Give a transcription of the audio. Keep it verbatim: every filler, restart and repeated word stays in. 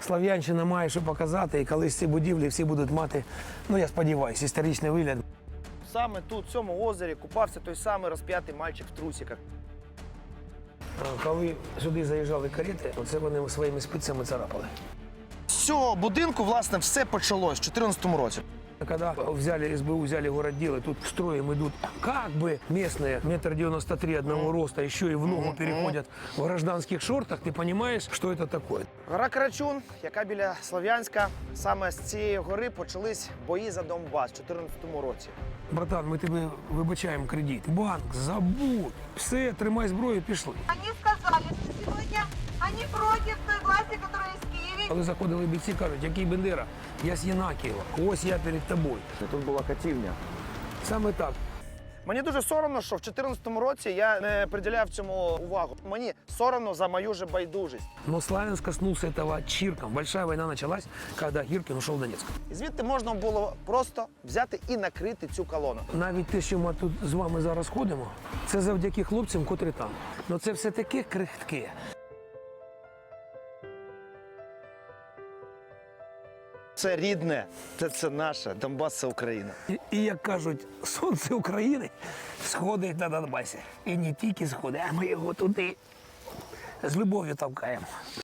Слов'янщина має що показати, і колись ці будівлі всі будуть мати, ну я сподіваюся, історичний вигляд. Саме тут, в цьому озері, купався той самий розп'ятий мальчик в трусиках. Коли сюди заїжджали карети, оце вони своїми спицями царапали. З цього будинку, власне, все почалось в чотирнадцятому році. Когда взяли СБУ, взяли городделы, тут строем идут как бы местные, метр девяносто три одного роста, еще и в ногу переходят в гражданских шортах, ты понимаешь, что это такое? Гора Карачун, яка біля Слов'янська, саме з цієї гори почались бої за Донбас в чотирнадцятому році. Братан, ми тебе вибачаємо кредит. Банк, забудь. Все, тримай зброю, пішли. Они сказали, что сегодня они против той власти, которая есть в Киеве. Коли заходили бійці, кажуть, який Бендера? Я з Єнакієва, ось я перед тобою. Тут була катівня. Саме так. Мені дуже соромно, що в чотирнадцятому році я не приділяв цьому увагу. Мені соромно за мою же байдужість. Но Славянск коснулся этого чирком. Большая война началась, когда Гиркин ушел в Донецк. І звідти можна було просто взяти і накрити цю колону. Навіть те, що ми тут з вами зараз ходимо, це завдяки хлопцям, котрі там. Но це все таке крихтке. Це рідне, це, це наше, Донбас – це Україна. І, і як кажуть, сонце України сходить на Донбасі. І не тільки сходить, а ми його туди з любов'ю толкаємо.